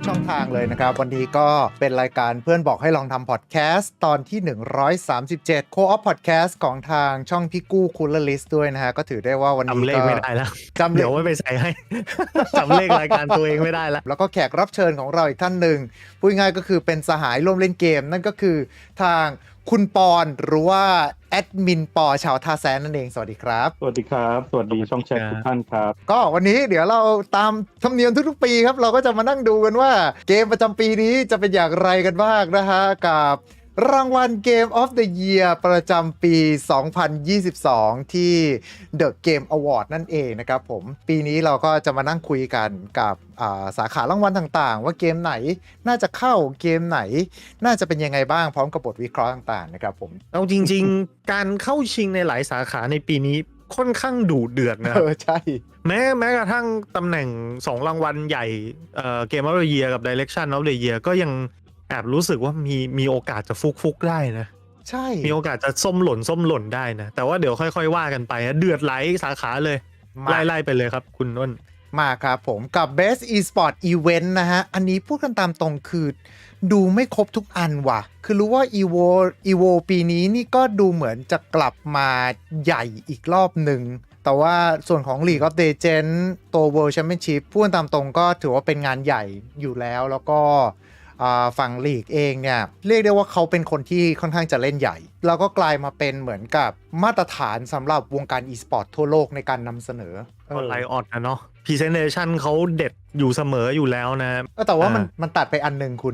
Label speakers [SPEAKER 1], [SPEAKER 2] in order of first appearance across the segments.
[SPEAKER 1] ช่องทางเลยนะครับวันนี้ก็เป็นรายการเพื่อนบอกให้ลองทำพอดแคสต์ตอนที่137 Co-op Podcast ของทางช่องพี่กู้คูลเลอร์ลิสต์ด้วยนะฮะก็ถือได้ว่าวันนี้
[SPEAKER 2] จำเลขไม่ได้แล้วเดี๋ยวไม่ไปใส่ให้ จำเลขรายการตัวเองไม่ได้แล้ว
[SPEAKER 1] แล้วก็แขกรับเชิญของเราอีกท่านหนึ่งพูดง่ายก็คือเป็นสหายร่วมเล่นเกมนั่นก็คือทางคุณปอนหรือว่าแอดมินปอชาวท่าแซนนั่นเองสวัสดีครับ
[SPEAKER 3] สวัสดีครับสวัสดีช่องแชททุกท่านครับ
[SPEAKER 1] ก็วันนี้เดี๋ยวเราตามธรรมเนียมทุกๆปีครับเราก็จะมานั่งดูกันว่าเกมประจำปีนี้จะเป็นอย่างไรกันบ้างนะฮะกับรางวัล Game of the Year ประจำปี 2022 ที่ The Game Award นั่นเองนะครับผมปีนี้เราก็จะมานั่งคุยกันกับสาขารางวัลต่างๆว่าเกมไหนน่าจะเข้าเกมไหนน่าจะเป็นยังไงบ้างพร้อมกับบทวิเคราะห์ต่างๆนะครับผม
[SPEAKER 2] เอาจริงๆ การเข้าชิงในหลายสาขาในปีนี้ค่อนข้างดุเดือดนะ
[SPEAKER 1] ใช่
[SPEAKER 2] แม้กระทั่งตำแหน่ง2รางวัลใหญ่Game of the Year กับ Direction of the Year ก็ยังแอบรู้สึกว่ามีโอกาสจะฟุกได้นะ
[SPEAKER 1] ใช่
[SPEAKER 2] มีโอกาสจะส้มหล่นได้นะแต่ว่าเดี๋ยวค่อยๆว่ากันไปนะเดือดหลายสาขาเลยไล่ไปเลยครับคุณน้น
[SPEAKER 1] มาครับผมกับ Best Esport Event นะฮะอันนี้พูดกันตามตรงคือดูไม่ครบทุกอันว่ะคือรู้ว่า Evo ปีนี้นี่ก็ดูเหมือนจะกลับมาใหญ่อีกรอบหนึ่งแต่ว่าส่วนของ League of Legends ตัว World Championship พูดกันตามตรงก็ถือว่าเป็นงานใหญ่อยู่แล้วก็ฝั่งลีกเองเนี่ยเรียกได้ว่าเขาเป็นคนที่ค่อนข้างจะเล่นใหญ่แล้วก็กลายมาเป็นเหมือนกับมาตรฐานสำหรับวงการ e-sport ทั่วโลกในการนำเสนอ
[SPEAKER 2] ก็ไลออดนะเนาะ Presentation เขาเด็ดอยู่เสมออยู่แล้วนะ
[SPEAKER 1] แต่ว่ามันตัดไปอันหนึ่งคุณ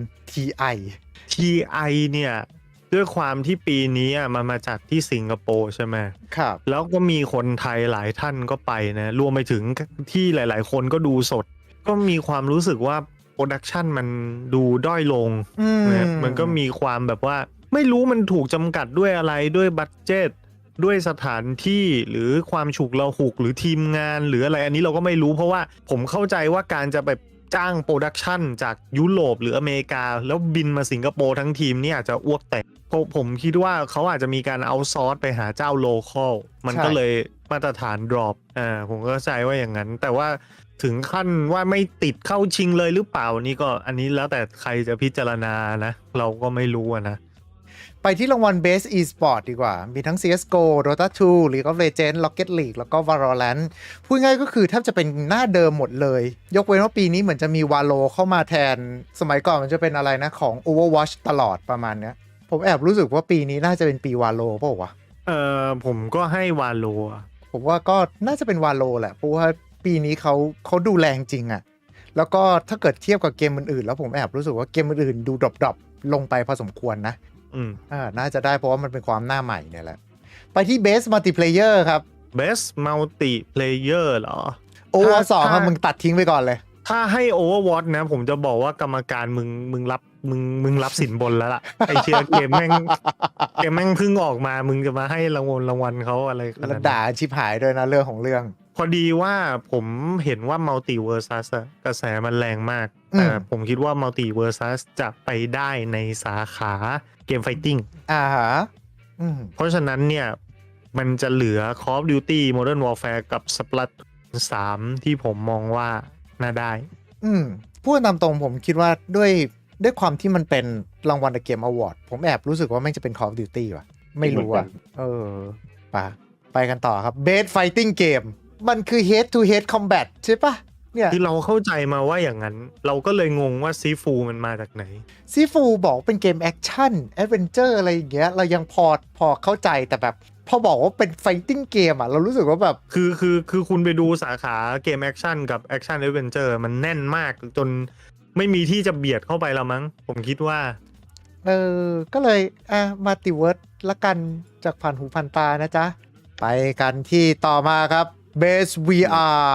[SPEAKER 1] TI
[SPEAKER 2] เนี่ยด้วยความที่ปีนี้มันมาจากที่สิงคโปร์ใช่ไหม
[SPEAKER 1] ครับ
[SPEAKER 2] แล้วก็มีคนไทยหลายท่านก็ไปนะรวมไปถึงที่หลายๆคนก็ดูสดก็มีความรู้สึกว่าโปรดักชันมันดูด้อยลงนะมันก็มีความแบบว่าไม่รู้มันถูกจำกัดด้วยอะไรด้วยบัดเจ็ตด้วยสถานที่หรือความฉุกละหุกหรือทีมงานหรืออะไรอันนี้เราก็ไม่รู้เพราะว่าผมเข้าใจว่าการจะไปจ้างโปรดักชันจากยุโรปหรืออเมริกาแล้วบินมาสิงคโปร์ทั้งทีมนี่อาจจะอ้วกแตกผมคิดว่าเขาอาจจะมีการเอาซอร์สไปหาเจ้าโลคอลมันก็เลยมาตรฐานดรอปผมก็เข้าใจว่าอย่างนั้นแต่ว่าถึงขั้นว่าไม่ติดเข้าชิงเลยหรือเปล่านี่ก็อันนี้แล้วแต่ใครจะพิจารณานะเราก็ไม่รู้นะ
[SPEAKER 1] ไปที่รางวัล Best Esport ดีกว่ามีทั้ง CSGO Dota 2 League of Legends Rocket League แล้วก็ Valorant พูดง่ายก็คือแทบจะเป็นหน้าเดิมหมดเลยยกเว้นว่าปีนี้เหมือนจะมี Valo เข้ามาแทนสมัยก่อนมันจะเป็นอะไรนะของ Overwatch ตลอดประมาณเนี้ยผมแอบรู้สึกว่าปีนี้น่าจะเป็นปี Valo เปล่าวะ
[SPEAKER 2] ผมก็ให้ Valo
[SPEAKER 1] ผมว่าก็น่าจะเป็น Valo แหละเพราะว่าปีนี้เขาดูแรงจริงอะแล้วก็ถ้าเกิดเทียบกับเกมอื่นๆแล้วผมแอบรู้สึกว่าเกมอื่นๆดูดรอปลงไปพอสมควรนะน่าจะได้เพราะว่ามันเป็นความหน้าใหม่เนี่ยแหละไปที่ Best Multiplayer ครับ
[SPEAKER 2] Best Multiplayer เหรอ
[SPEAKER 1] Overwatch 2ครับมึงตัดทิ้งไปก่อนเลย
[SPEAKER 2] ถ้าให้ Overwatch นะผมจะบอกว่ากรรมการมึงรับสินบนแล้วล่ะ ไอเชียเกมแม่งเพิ่งออกมามึงจะมาให้รางวัลเขาอะไรขนาดนั้น
[SPEAKER 1] ด่าชิบหายด้วยนะเรื่องของเรื่อง
[SPEAKER 2] พอดีว่าผมเห็นว่า Multiversus กระแสมันแรงมากแต่ผมคิดว่า Multiversus จะไปได้ในสาขาเกมไฟติ้งเพราะฉะนั้นเนี่ยมันจะเหลือ Call of Duty Modern Warfare กับ Splatoon 3 ที่ผมมองว่าน่าได้
[SPEAKER 1] พูดตามตรงผมคิดว่าด้วยความที่มันเป็นรางวัล The Game Award ผมแอบรู้สึกว่าแม่งจะเป็น Call of Duty ว่ะไม่รู้อ่ะไปกันต่อครับ Best Fighting Game มันคือ Head to Head Combat ใช่ปะเนี่ย
[SPEAKER 2] คือเราเข้าใจมาว่าอย่างนั้นเราก็เลยงงว่าซีฟูมันมาจากไหน
[SPEAKER 1] ซีฟูบอกเป็นเกมแอคชั่นแอดเวนเจอร์อะไรอย่างเงี้ยเรายังพอเข้าใจแต่แบบพอบอกว่าเป็นไฟติ้งเกมเรารู้สึกว่าแบบ
[SPEAKER 2] คือคุณไปดูสาขาเกมแอคชั่นกับแอคชั่นแอดเวนเจอร์มันแน่นมากจนไม่มีที่จะเบียดเข้าไปแล้วมั้งผมคิดว่า
[SPEAKER 1] ก็เลยมัลติเวิร์สละกันจากผ่านหูผ่านตานะจ๊ะไปกันที่ต่อมาครับ Best VR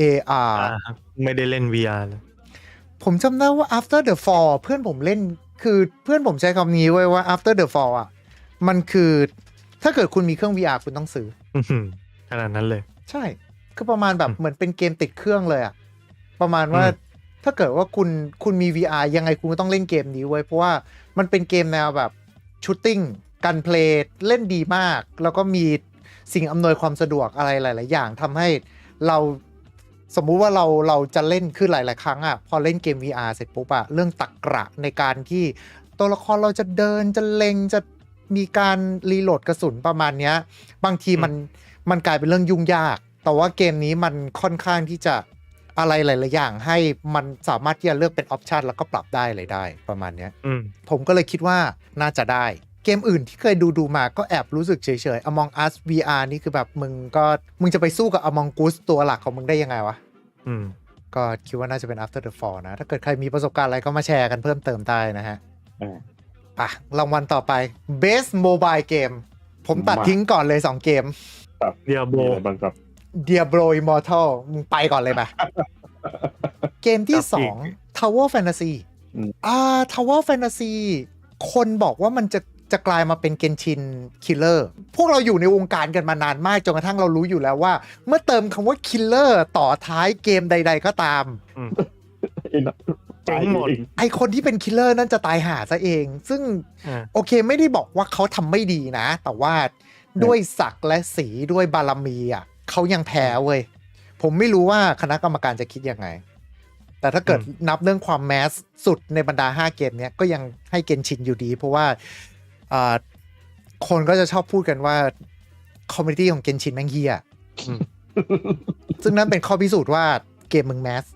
[SPEAKER 1] AR
[SPEAKER 2] ไม่ได้เล่น VR เลย
[SPEAKER 1] ผมจำได้ว่า After the Fall เพื่อนผมเล่นคือเพื่อนผมใช้คำนี้ไว้ว่า After the Fall มันคือถ้าเกิดคุณมีเครื่อง VR คุณต้องซื้อ
[SPEAKER 2] ขนาดนั้นเลย
[SPEAKER 1] ใช่คือประมาณแบบเหมือนเป็นเกมติดเครื่องเลยประมาณว่าถ้าเกิดว่าคุณมี VR ยังไงคุณก็ต้องเล่นเกมนี้ไว้เพราะว่ามันเป็นเกมแนวแบบชูตติ้งการเพลย์เล่นดีมากแล้วก็มีสิ่งอำนวยความสะดวกอะไรหลายๆอย่างทำให้เราสมมุติว่าเราจะเล่นคือหลายๆครั้งอ่ะพอเล่นเกม VR เสร็จปุ๊บอะเรื่องตรรกะในการที่ตัวละครเราจะเดินจะเล็งจะมีการรีโหลดกระสุนประมาณเนี้ยบางทีมันกลายเป็นเรื่องยุ่งยากแต่ว่าเกมนี้มันค่อนข้างที่จะอะไรหลายๆอย่างให้มันสามารถที่จะเลือกเป็นออปชันแล้วก็ปรับได้เลยได้ประมาณเนี้ยผมก็เลยคิดว่าน่าจะได้เกมอื่นที่เคยดูมาก็แอบรู้สึกเฉยๆ Among Us VR นี่คือแบบมึงจะไปสู้กับ Among Us ตัวหลักของมึงได้ยังไงวะก็คิดว่าน่าจะเป็น After the Fall นะถ้าเกิดใครมีประสบการณ์อะไรก็มาแชร์กันเพิ่มเติมได้นะฮะรางวัลต่อไป Best Mobile Game ผมตัดทิ้งก่อนเลย2เกม
[SPEAKER 2] Diablo
[SPEAKER 1] Diablo Immortal มึงไปก่อนเลยป่ะ เกมที่2 Tower Fantasy Tower Fantasy คนบอกว่ามันจะกลายมาเป็น Genshin Killer พวกเราอยู่ในวงการกันมานานมากจนกระทั่งเรารู้อยู่แล้วว่าเมื่อเติมคำว่า Killer ต่อท้ายเกมใดๆก็ตาม
[SPEAKER 2] เจ๋งหมด
[SPEAKER 1] ไอคนที่เป็น Killer นั่นจะตายห่าซะเองซึ่งโอเคไม่ได้บอกว่าเขาทำไม่ดีนะแต่ว่าด้วยศักดิ์และสีด้วยบารมีอ่ะเขายังแพ้เว้ยผมไม่รู้ว่าคณะกรรมการจะคิดยังไงแต่ถ้าเกิดนับเรื่องความแมสสุดในบรรดา5เกมเนี้ยก็ยังให้เกนชินอยู่ดีเพราะว่าคนก็จะชอบพูดกันว่าคอมมูนิตี้ของเกนชินแม่งเหี้ยซึ่งนั่นเป็นข้อพิสูจน์ว่าเกมมึงแมส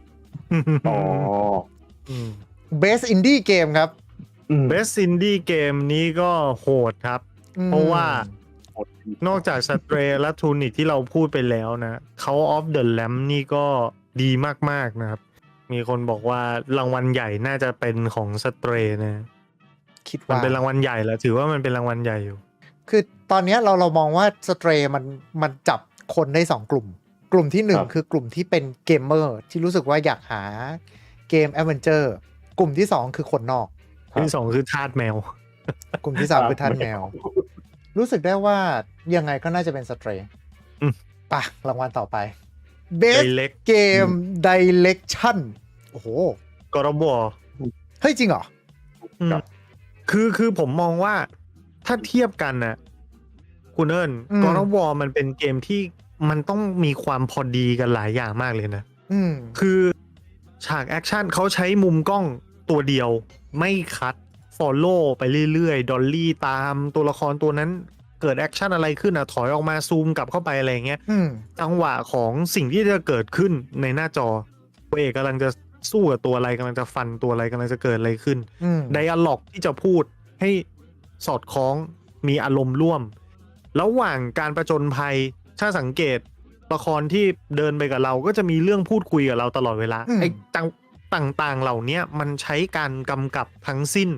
[SPEAKER 1] Best Indie Game ครับ
[SPEAKER 2] Best Indie Game นี้ก็โหดครับเพราะว่านอกจาก Stray และ Tunic ที่เราพูดไปแล้วนะ Cult of the Lamb นี่ก็ดีมากๆนะครับมีคนบอกว่ารางวัลใหญ่น่าจะเป็นของ Stray นะ
[SPEAKER 1] คิดว่า
[SPEAKER 2] มันเป็นรางวัลใหญ่แล้วถือว่ามันเป็นรางวัลใหญ่อยู่
[SPEAKER 1] คือตอนนี้เรามองว่า Stray มันจับคนได้2กลุ่มที่1คือกลุ่มที่เป็นเกมเมอร์ที่รู้สึกว่าอยากหาเกมแอดเวนเจอร์กลุ่มที่2คือคนนอก
[SPEAKER 2] ที่2คือทาสแมว
[SPEAKER 1] กลุ่มที่3คือทาสแมวรู้สึกได้ว่ายังไงก็น่าจะเป็น Stray ป่ะรางวัลต่อไป Best Game Direction โอ้โห
[SPEAKER 2] God of War
[SPEAKER 1] เฮ้ยจริงเหรอ
[SPEAKER 2] คือผมมองว่าถ้าเทียบกันนะคุณเอิญ God of War มันเป็นเกมที่มันต้องมีความพอดีกันหลายอย่างมากเลยนะคือฉากแอคชั่นเขาใช้มุมกล้องตัวเดียวไม่คัดfollow ไปเรื่อยๆดอลลี่ตามตัวละครตัวนั้นเกิดแอคชั่นอะไรขึ้นถอยออกมาซูมกลับเข้าไปอะไรเงี้ยจังหวะของสิ่งที่จะเกิดขึ้นในหน้าจอตัวเอกกำลังจะสู้กับตัวอะไรกำลังจะฟันตัวอะไรกำลังจะเกิดอะไรขึ้นไดอะล็อกที่จะพูดให้สอดคล้องมีอารมณ์ร่วมระหว่างการประจนภัยถ้าสังเกตละครที่เดินไปกับเราก็จะมีเรื่องพูดคุยกับเราตลอดเวลาไอ้ต่างๆเหล่านี้มันใช้การกำกับทั้งสิ้น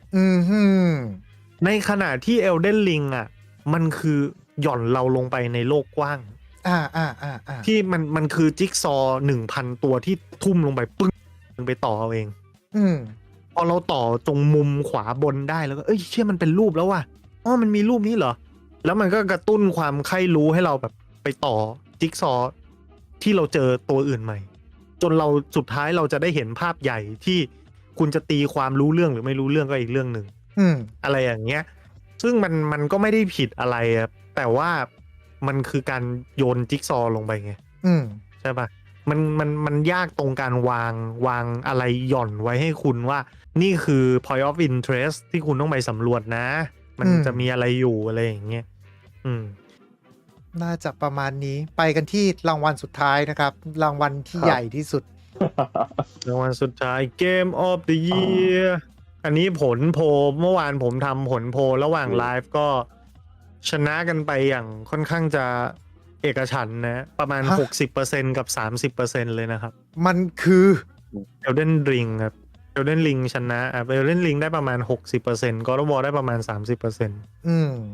[SPEAKER 2] ในขณะที่ Elden Ring อ่ะมันคือหย่อนเราลงไปในโลกกว้างที่มันคือจิ๊กซอ 1,000 ตัวที่ทุ่มลงไปปึ้งไปต่อเอาเองพอเราต่อตรงมุมขวาบนได้แล้วก็เชื่อมันเป็นรูปแล้วว่ะมันมีรูปนี้เหรอแล้วมันก็กระตุ้นความใคร่รู้ให้เราแบบไปต่อจิ๊กซอที่เราเจอตัวอื่นใหม่จนเราสุดท้ายเราจะได้เห็นภาพใหญ่ที่คุณจะตีความรู้เรื่องหรือไม่รู้เรื่องก็อีกเรื่องหนึ่งอะไรอย่างเงี้ยซึ่งมันก็ไม่ได้ผิดอะไรแต่ว่ามันคือการโยนจิ๊กซอลงไปไงใช่ปะมันยากตรงการวางอะไรหย่อนไว้ให้คุณว่านี่คือ point of interest ที่คุณต้องไปสำรวจนะมันจะมีอะไรอยู่อะไรอย่างเงี้ย
[SPEAKER 1] น่าจะประมาณนี้ไปกันที่รางวัลสุดท้ายนะครับรางวัลที่ใหญ่ที่สุด
[SPEAKER 2] รางวัลสุดท้าย Game of the Year อันนี้ผลโพลเมื่อวานผมทำผลโพลระหว่างไลฟ์ก็ชนะกันไปอย่างค่อนข้างจะเอกฉันท์นะประมาณ 60% กับ 30% เลยนะครับ
[SPEAKER 1] มันคือ
[SPEAKER 2] Elden Ring ครับ Elden Ring ชนะElden Ring ได้ประมาณ 60% God of War ได้ประมาณ 30%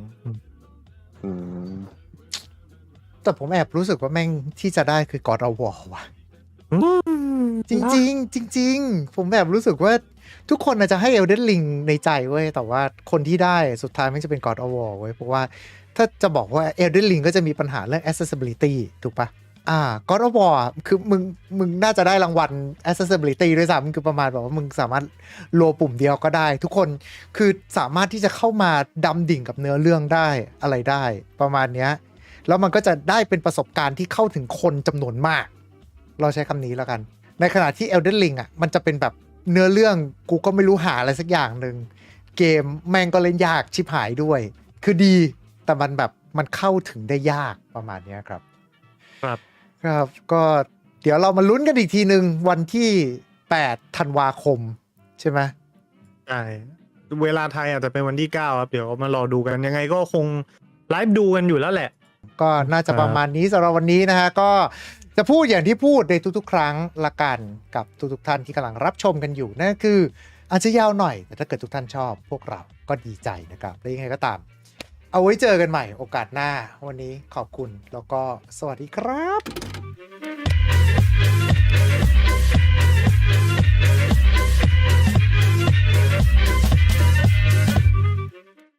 [SPEAKER 1] แต่ผมแอบรู้สึกว่าแม่งที่จะได้คือ God of War ว่ะจริงๆจริงๆผมแบบรู้สึกว่าทุกคนอาจจะให้ Elden Ring ในใจเว้ยแต่ว่าคนที่ได้สุดท้ายมันจะเป็น God of War เว้ยเพราะว่าถ้าจะบอกว่า Elden Ring ก็จะมีปัญหาเรื่อง accessibility ถูกปะGod of War คือมึงน่าจะได้รางวัล accessibility ด้วยซ้ำคือประมาณแบบว่ามึงสามารถโลปุ่มเดียวก็ได้ทุกคนคือสามารถที่จะเข้ามาดำดิ่งกับเนื้อเรื่องได้อะไรได้ประมาณเนี้ยแล้วมันก็จะได้เป็นประสบการณ์ที่เข้าถึงคนจำนวนมากเราใช้คำนี้แล้วกันในขณะที่ Elden Ring อ่ะมันจะเป็นแบบเนื้อเรื่องกูก็ไม่รู้หาอะไรสักอย่างหนึ่งเกมแม่งก็เล่นยากชิบหายด้วยคือดีแต่มันแบบมันเข้าถึงได้ยากประมาณนี้ครับครับก็เดี๋ยวเรามาลุ้นกันอีกทีหนึ่งวันที่8ธันวาคมใช่ไหม
[SPEAKER 2] ใช่เวลาไทยอาจจะเป็นวันที่9ครับเดี๋ยวมารอดูกันยังไงก็คงไลฟ์ดูกันอยู่แล้วแหละ
[SPEAKER 1] ก็น่าจะประมาณนี้สำหรับวันนี้นะฮะก็จะพูดอย่างที่พูดในทุกๆครั้งละกันกับทุกๆท่านที่กำลังรับชมกันอยู่นั่นคืออาจจะยาวหน่อยแต่ถ้าเกิดทุกท่านชอบพวกเราก็ดีใจนะครับและยังไงก็ตามเอาไว้เจอกันใหม่โอกาสหน้าวันนี้ขอบคุณแล้วก็สวัสดีครับ